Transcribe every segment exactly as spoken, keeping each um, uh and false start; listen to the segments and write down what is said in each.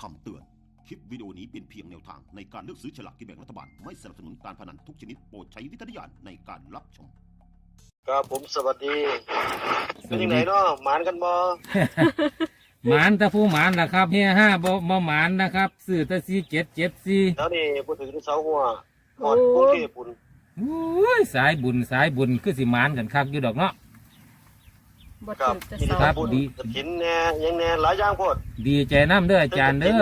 คำเตือนคลิปวิดีโอนี้เป็นเพียงแนวทางในการเลือกซื้อฉลากกินแบ่งรัฐบาลไม่สนับสนุนการพนันทุกชนิดโปรดใช้วิจารณญาณในการรับชมครับผมสวัสดีเป็นยังไงเนาะหมานกันบ่หมานตะผู้หมานนะครับเฮียห้าบ่บ่หมานนะครับซื้อตะซีเจ็ดเจ็ดซีแล้วนี่พูดถึงที่เสาหัวหอดกรุงเทพปุ่นโอ้ยสายบุญสายบุญคือสิหมานกันคักอยู่ดอกเนาะบ่ครัถึบงจะกินเศร้าครัข้าบวบุญดีกฐินแน่ยังแน่หลายอย่างโพดดีใจน้ำเด้ออาจารย์เด้อ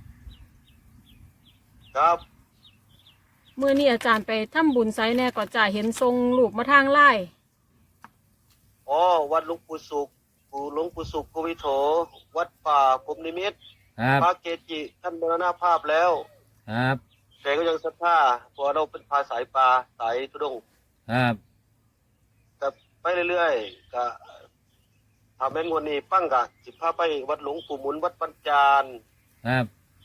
ครับเมื่อนี้อาจารย์ไปทำบุญไซแน่ก็จะเห็นทรงรูปมาทางไล่อ๋อวัดหลวงปู่สุขปู่หลวงปู่สุขโกวิโถวัดป่าพรหมนิมิตรครับพระเกจิท่านมรณภาพแล้วครับแต่ก็ยังศรัทธาเพราะเราเป็นพาสายปลาสายทุดงค์ครับก็ไปเรื่อยๆก็ทำเป็นวันนี้ปั้งกะสิพาไปวัดหลวงปู่หมุนวัดปัญจานครับ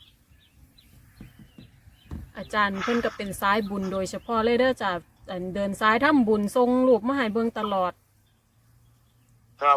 อาจารย์เพิ่นก็เป็นสายบุญโดยเฉพาะเลยเด้อจ้ะอันเดินสายทำบุญทรงรูปมาให้เบิ่งตลอดครับ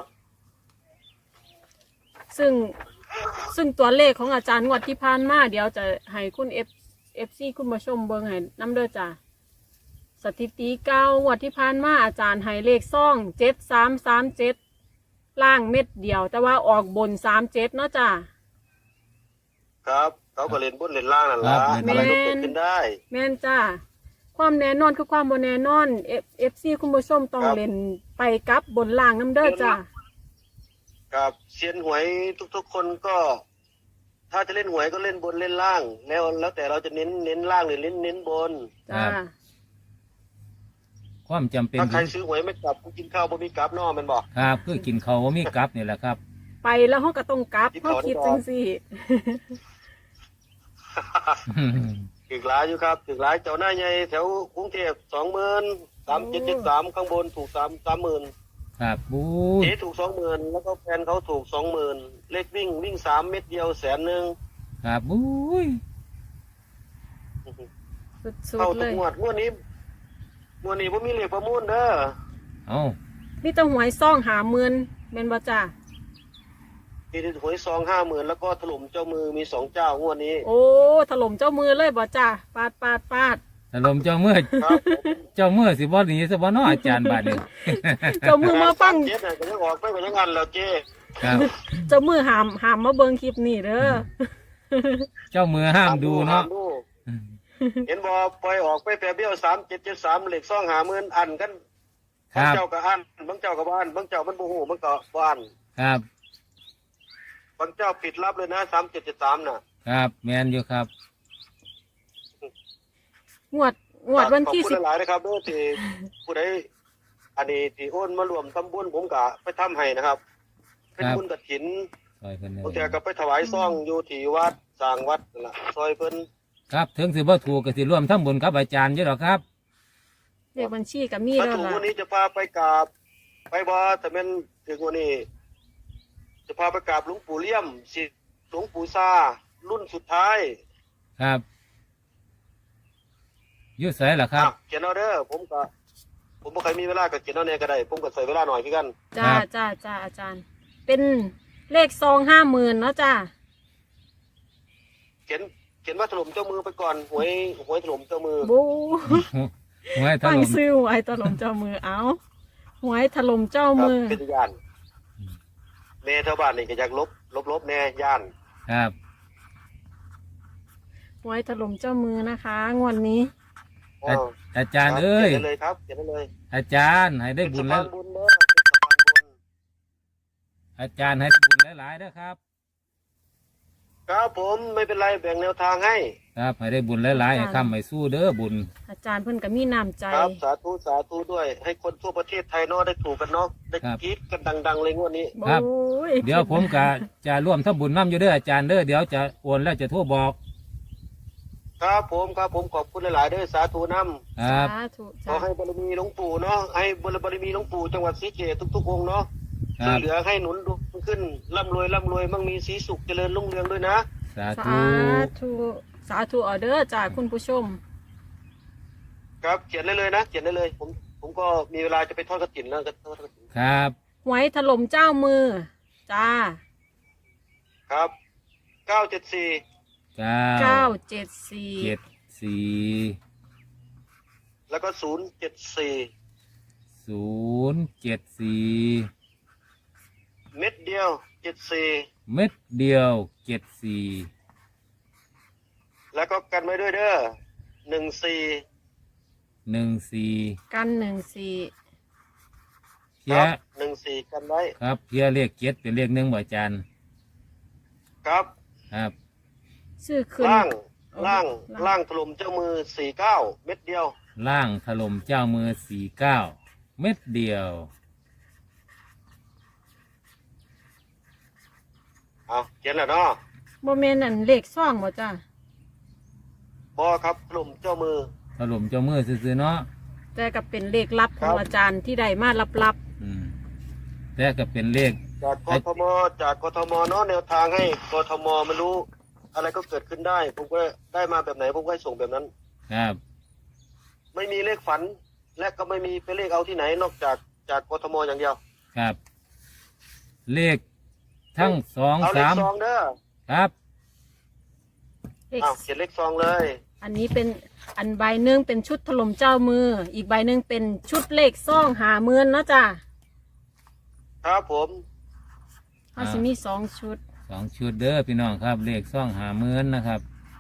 ซึ่งซึ่งตัวเลขของอาจารย์งวดที่ผ่านมาเดี๋ยวจะให้คุณ F FC คุณผู้ชมเบิ่งให้นำเด้อจ้ะสถิติเก้างวดที่ผ่านมาอาจารย์ให้เลขซ่องเจ็ดสามสามเจ็ดล่างเม็ดเดียว แต่ว่าออกบนสามเจ็ดเนาะจ้ะครับเขาก็เล่นบนเล่นล่างนั่นครัละบอะไรก็เกิดขึ้นได้แม่นจ้าความแน่นอนคือความบ่แน่นอนเอฟเอฟซีคุณผู้ชมต้องครับเล่นไปกับบนล่างน้ำเด้อจ้ากับเซียนหวยทุกๆคนก็ ถ้าจะเล่นหวยก็เล่นบนเล่นล่าง แล้วแล้วแต่เราจะเน้นเน้นล่างหรือเน้นเน้นบนจ้าความจำเป็นถ้าใครซื้อหวยไม่กลับกูกินข้าวบ่มีกลับเนอแมันบอกครับคือกินเขาวบ่มีกลับนี่แหละครับไปแล้วเขาก็ต้องกลับที่เขาเขาคิดได้จับอกงสี่ถึงหลายอยู่ครับถึงหลายเจ้าหน้าใหญ่แถวกรุงเทพสองหมื่นสามเจ็ดเจ็ดสามข้างบนถูกสามสามหมื่นครับบู๊เจ๊ถูกสองหมื่นแล้วก็แฟนเขาถูกสองหมื่นเลขวิ่งวิ่งสามเม็ดเดียวแสนหนึ่งครับบู๊ยสุดเข้าๆทุเลกยงวดงวดนี้งวดนี้ผมมีเลขประมูลเด้อเอานี่ต้องหวยซ่องหาเมือนแม่นบ่จ้ามีหวยซองห้าหมื่นแล้วก็ถล่มเจ้ามือมีสองเจ้างวดนี้โอ้ถล่มเจ้ามือเลยบ่จ้าปาดปาดปาดถล่มเจ้าเมื่อครับเจ้าเมื่อสิบ่หนีสิบ่เนาะอาจารย์บาดนี้เจ้ามือมาฟังเจ๊น่ะก็ยังออกไปก็ยังอันแล้วเจ๊ครับเจ้ามือหามหามมาเบิ่งคลิปนี่เด้อเจ้ามือห้ามดูเนาะห้มดูเห็นบอปล่อยออกไปแปรเบี้ยวสามเจ็ดเจ็ดสามเหล็กซองหาหมื่นอันกันคบางรับเจ้าก็อันบางเจ้าก็บ้านบางเจ้ามันบูหูมันก็บ้านครับบางเจ้าปิดรับเลยนะสามเจ็ดเจ็ดสามน่ะครับแมนอยู่ครับงวดงวดวันที่ขอบสิคุบณหลายๆนะครับเด้อที่ผู้ใดอันนี้ที่โอนมารวมทำบุญผมกะไปทำให้นะครับ เป็นครับบุญกฐินซอยเพิ่นเด้บางทีอก็ไปถวายซ่องอยู่ที่วัดสร้างวัดนั่นล่ะซอยเพิ่นครับถึงสิบ่ถูกก็สิร่วมทำบุญกับอาจารย์อยู่ดอกครับเลขบัญชีกับมีถ้าแล้วถูกล่ะวันนี้จะพาไปกราบไปบ่แต่แม่นถึงวันนี้ จะพาไปกราบหลวงปู่เลี่ยมศิษย์หลวงปู่ซารุ่นสุดท้ายครับอยุ่ไสล่ะครับอ่ะเขียนเอาเด้อผมก็ผมบ่เคยมีเวลาก็เขียนเอาแน่ก็ได้ ผมก็ใส่เวลาหน่อยคือกันจ้าครับจ้าจ้าอาจารย์ เป็นเลขซองห้าหมื่นเนาะจ้าเขียนเขียนว่าถล่มเจ้ามือไปก่อนหวยหวยถล่มเจ้ามือบูหวยถฟังล่มซื้อหวยถล่มเจ้ามือเอาหวยถล่มเจ้าครับมือเป็นย่านแม่ชาวบ้านนี่ก็อยากลบลบลบแน่ย่านครับหวยถล่มเจ้ามือนะคะงวดนี้อาอาจารย์เอ้ยเขียนได้เลยครับเขียนได้เลยอาจารย์ให้ได้บุญเป็นแล้วสะพานบุญเด้อเป็นสะพานบุญอาจารย์ให้ได้บุญหลายๆเด้อครับครับผมไม่เป็นไรแบ่งแนวทางให้ครับให้ได้บุญหลายๆให้ค้ำให้สู้เด้อบุญอาจารย์เพิ่นก็มีน้ำใจครับสาธุสาธุด้วย ให้คนทั่วประเทศไทยเนาะได้ถูกกันเนาะได้ครับกรีดกันดัง ๆ เลยงวดนี้ครับโอ้ยเดี๋ยวผมก็จะร่วมทำบุญน้ำอยู่เด้ออาจารย์เด้อเดี๋ยวจะโอนแล้วจะโทรบอกครับผมครับผมขอบคุณหลายๆเด้อสาธุนำครับสาธุขอจ้าให้บารมีหลวงปู่เนาะให้บารมีหลวงปู่จังหวัดศรีเกตทุกๆองค์เนาะคช่วรัยบเหลือให้หนุนขึ้นร่ำรวยร่ำรวยมั่งมีสีสุขเจริญรุ่งเรืองด้วยนะสาสาธุธุสาธุออเดอร์จากคุณผู้ชมครับเขียนได้เลยนะเขียนได้เลย ผมผมก็มีเวลาจะไปทอดกระถินแล้วก็ทอดกระถินครับหวยถล่มเจ้ามือ จ้าครับเก้าเจ็ดสี่เก้าเก้าเจ็ดสี่เจ็ดสี่แล้วก็ศูนย์เจ็ดสี่ศูนย์เจ็ดสี่เม็ดเดียวเจ็ดสี่เม็ดเดียวเจ็ดสี่แล้วก็กันไว้ด้วยเด้อหนึ่งสี่หนึ่งสี่กันหนึ่งสี่เพียครับหนึ่งสี่กันไว้ครับเพียเลขเจ็ดเป็นเลขหนึ่งบ่อาจารย์ครับครับชื่อขึ้นล่างเอาล่างล่างล่างถล่มเจ้ามือสี่เก้าเม็ดเดียวล่างถล่มเจ้ามือสี่เก้าเม็ดเดียวเอาเขียนแล้วเนาะโมเมนต์นั่นเลขซ่องบ่จ้าบอครับถล่มเจ้ามือถล่มเจ้ามือซื่อๆเนาะแต่ก็เป็นเลขลับขครัองบอาจารย์ที่ได้มาลับอืมแต่ก็เป็นเลขจากกทมจากกทมเนาะแนวทางให้กทมมันรู้ อะไรก็เกิดขึ้นได้ ผมก็ได้มาแบบไหนผมก็ให้ส่งแบบนั้นครับไม่มีเลขฝัน และก็ไม่มีไปเลขเอาที่ไหน นอกจากจากกทมอย่างเดียวครับ เลขทั้งสองเอาเลสาขมซองเด้อครับๆเลขเอาเขียนเลขซองเลยอันนี้เป็นอันใบหนึ่งเป็นชุดถล่มเจ้ามือ อีกใบหนึ่งเป็นชุดเลขซ่องหาเมือนเนาะจ้าครับผมเขาสิมีสองชุดสองชุดเด้อพี่น้องครับ เลขซ่องหาเมือนนะครับ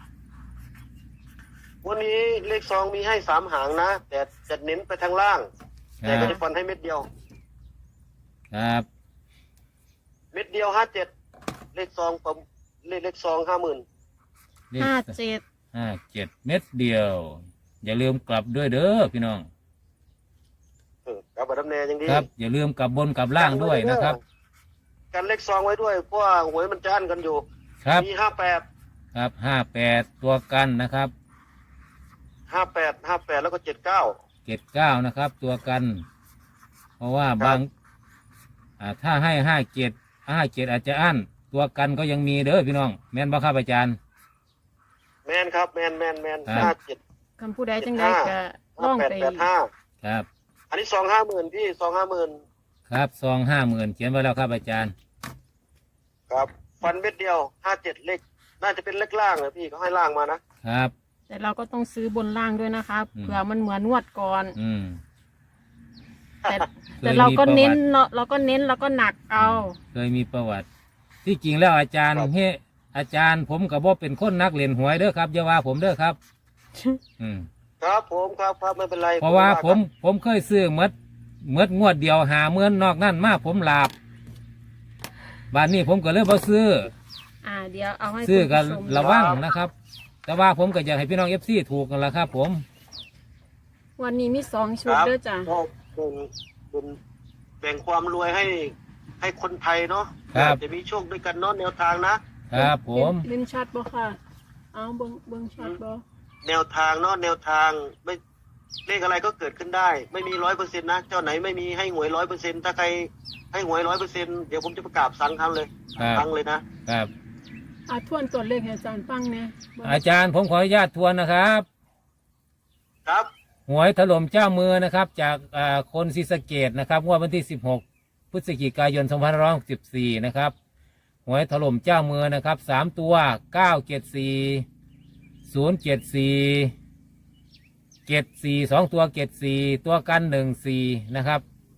วันนี้เลขซองมีให้สามหางนะ แต่จะเน้นไปทางล่างคแต่รัก็บจะฟันให้เม็ดเดียวครับเม็ดเดียวห้าเจ็ดเลขซองผมเลขเลขซองห้าหมื่นเลขห้าเจ็ดห้าเจ็ดเม็ดเดียว อย่าลืมกลับด้วยเด้อพี่น้องกับบัตรดำเนยยังดีครับ อย่าลืมกลับบนกลับล่างด้วยนะครับกันเลขซองไว้ด้วยเพราะว่าหวยมันจะอั้นกันอยู่ครับมีห้าแปดครับห้าแปดตัวกันนะครับห้าแปดห้าแปดแล้วก็เจ็ดเก้าเจ็ดเก้านะครับ ตัวกัน เพราะว่าครับบางอ่าถ้าให้ห้าเจ็ดห้าเจ็ดอาจจะอั้นตัวกันก็ยังมีเด้อพี่น้อง แม่นบ่ครับอาจารย์แมนครับแมนแมนแมนครับห้าเจ็ดคำผู้ใดจังไดก็ห้าล่องแปดไปแปดห้าครับอันนี้ซองห้าหมื่นพี่ซองห้าหมื่นครับซองห้าหมื่นเขียนไว้แล้วครับอาจารย์ครับ ฟันเม็ดเดียวห้าเจ็ดเลขน่าจะเป็นเลขล่างนะพี่เขาให้ล่างมานะครับแต่เราก็ต้องซื้อบนล่างด้วยนะครับอืมเผื่อมันเหมือนงวดก่อนอืมแต่เคยแต่เราก็มีประวัติเน้นเนาะเราก็เน้นเราก็หนักเอาเคยมีประวัติ ที่จริงแล้วอาจารย์เฮ้อาจารย์ผมกับว่าเป็นคนนักเล่นหวยเด้อครับอย่าว่าผมเด้อครับ อืมครับผมครับครับไม่เป็นไรเพราะว่าผมครับผมเคยซื้อเมดเมดงวดเดียวหาเมื่อนนอกนั่นมาผมหลาบบานนี้ผมก็เลยบ่ซื้ออ่าเดี๋ยวเอาให้ซื้อกันคุณผู้ชมระวังนะครับ แต่ว่าผมก็อยากให้พี่น้องเอฟซีถูกกันละครับ ผมวันนี้มีสองชุดครับเด้อจ้ะก็เป็นเป็นแบ่งความรวยให้ให้คนไทยเนาะครับจะมีโชคด้วยกันเนาะแนวทางนะครับผมเล่นชัดบ่ค่ะ เอาเบิ้งเบิ้งชัดบ่แนวทางเนาะแนวทางไม่เลขอะไรก็เกิดขึ้นได้ ไม่มีร้อยเปอร์เซ็นต์นะเจ้าไหนไม่มีให้หวยร้อยเปอร์เซ็นต์ถ้าใครให้หวยร้อยเปอร์เซ็นต์เดี๋ยวผมจะประกาศสังครั้งเลยครับครั้งเลยนะครับอ่าทวนตัวเลขให้อาจารย์ฟังเนี่ยเบิ่งอาจารย์ผมขออนุญาตทวนนะครับครับหวยถล่มเจ้ามือนะครับ จากอ่าคนศรีสะเกดนะครับงวดวันที่สิบหกพฤศจิกายนสองพันห้าร้อยหกสิบสี่นะครับหวยถล่มเจ้ามือนะครับสามตัวเก้าเจ็ดสี่ศูนย์เจ็ดสี่เจ็ดสี่สองตัวเจ็ดสี่ตัวกันหนึ่งสี่นะครับ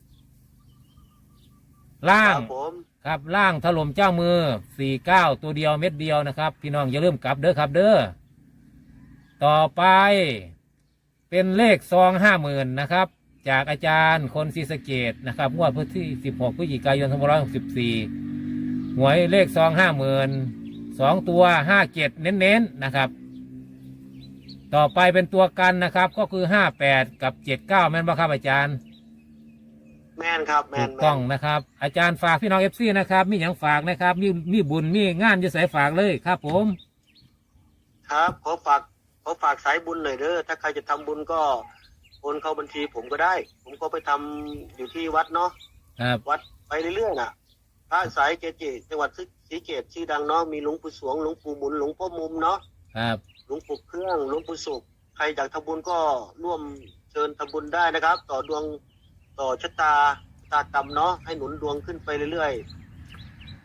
ล่าคงรับผมครับล่างถล่มเจ้ามือสี่เก้าตัวเดียวเม็ดเดียวนะครับ พี่น้องอย่าลืมกลับเด้อครับเด้อต่อไปเป็นเลขซองห้าหมื่นนะครับ จากอาจารย์คนศรีสะเกดนะครับงวดพื้นที่สิบหกพฤศจิกายนสองพันห้าร้อยหกสิบสี่หวยเลขซองห้าหมื่นสองตัวห้าเจ็ดเน้นๆนะครับ ต่อไปเป็นตัวกันนะครับ ก็คือห้าแปดกับเจ็ดเก้าแม่นบ่ครับอาจารย์แมนครับแมถูนกแมต้อน งนะครับ อาจารย์ฝากพี่น้องเอฟซีนะครับมีอย่างฝากนะครับมีมีบุญมีงานจะใส่ฝากเลยครับ ผมครับขอฝากขอฝากสายบุญหน่อยเด้อถ้าใครจะทำบุญก็โอนเข้าบัญชีผมก็ได้ ผมก็ไปทำอยู่ที่วัดเนาะครับวัดไปเรื่อยๆน่ะพระสายเกจิจังหวัดศรีเกตชื่อดังเนาะมีหลวงปู่สวงหลวงปู่หมุนหลวงพ่อมุมเนาะครับหลวงปู่เครื่องหลวงปู่สุขใครอยากทำบุญก็ร่วมเชิญทำบุญได้นะครับ ต่อดวงต่อชะตาชะตากรรมเนาะให้หนุนดวงขึ้นไปเรื่อย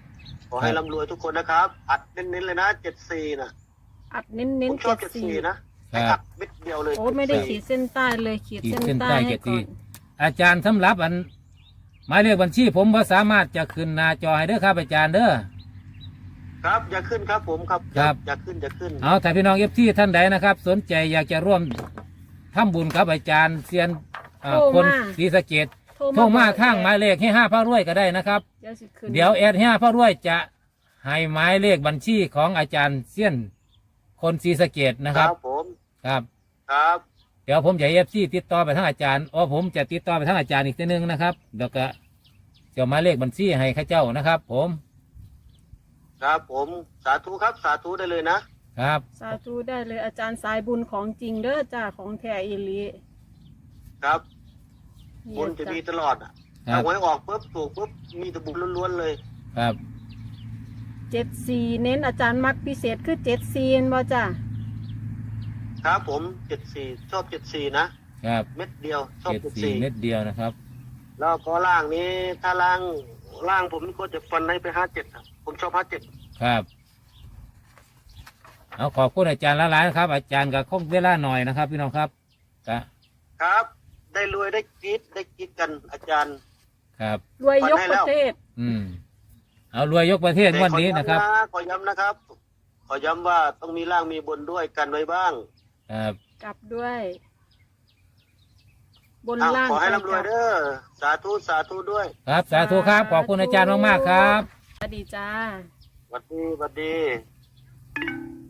ขอให้ครับร่ำรวยทุกคนนะครับ อัดเน้นๆเลยนะเจ็ดสี่นะอัดเน้นเน้นผมชอบเจ็ดสี่นะให้อัดเม็ดเดียวเลยโอ้ไม่ได้ขีดเส้นใต้เลยขีดขีดเส้นเส้นใต้ใต้ให้เจ็ดก่สี่อนอาจารย์สำหรับอันหมายเลขบัญชีผมว่าสามารถจะขึ้นหน้าจอให้เด้อครับอาจารย์เด้อครับอย่าขึ้นครับผมครับครับอย่าขึ้นอย่าขึ้นเอาถ้าพี่น้องเอฟซีท่านใดนะครับ สนใจอยากจะร่วมทำบุญกับอาจารย์เซียนเอ่อคนศรีสะเกษโทรมาทางหมายเลขให้ห้าพระรวยก็ได้นะครับเดี๋ยวสิขึ้นเดี๋ยวแอดห้าพระรวยจะให้หมายเลขบัญชีของอาจารย์เซียนคนศรีสะเกษนะครับผมครับครับเดี๋ยวผมจะเอฟซีติดต่อไปทางอาจารย์อ๋อผมจะติดต่อไปทางอาจารย์อีกทีนึงนะครับเดี๋ยวก็จะหมายเลขบัญชีให้ข้าเจ้านะครับ ผมครับผมสาธุครับสาธุได้เลยนะครับสาธุได้เลยอาจารย์สายบุญของจริงเด้อจ้าของแท้อีหลีครับนี่บุญจะมีตลอดอ่ะครัถ้าบหวยออกปุ๊บถูกปุ๊บมีแต่บุญล้วนๆเลยครับเจ็ดสี่เน้นอาจารย์มักพิเศษคือเจ็ดสี่บ่จ้าครับผมเจ็ดสี่ชอบเจ็ดสี่นะครับ เม็ดเดียวชอบเจ็ดเจ็ดสี่สี่เม็ดเดียวนะครับแล้วก็ล่างนี้ถ้าล่างล่างผมก็จะฟันให้ไปห้าเจ็ดผมชอบห้าเจ็ดครับเอาขอบคุณอาจารย์ละลายนะครับ อาจารย์กับคงเวลาหน่อยนะครับ พี่น้องครับก็ครับ ได้รวยได้กรีดได้กรีดกันอาจารย์ครับรวยยกประเทศอืมเอารวยยกประเทศงวันนี้นะครับแต่ขอย้ำนะครับ ขอย้ำว่าต้องมีล่างมีบนด้วยกันไว้บ้างครับกลับด้วย บนอ้าวล่างขอให้ไปร่ำรวยกลับเด้อสาธุสาธุด้วยครับสาธุครับขอบคุณอาจารย์มากๆครับสวัสดีจ้าสวัสดีสวัสดี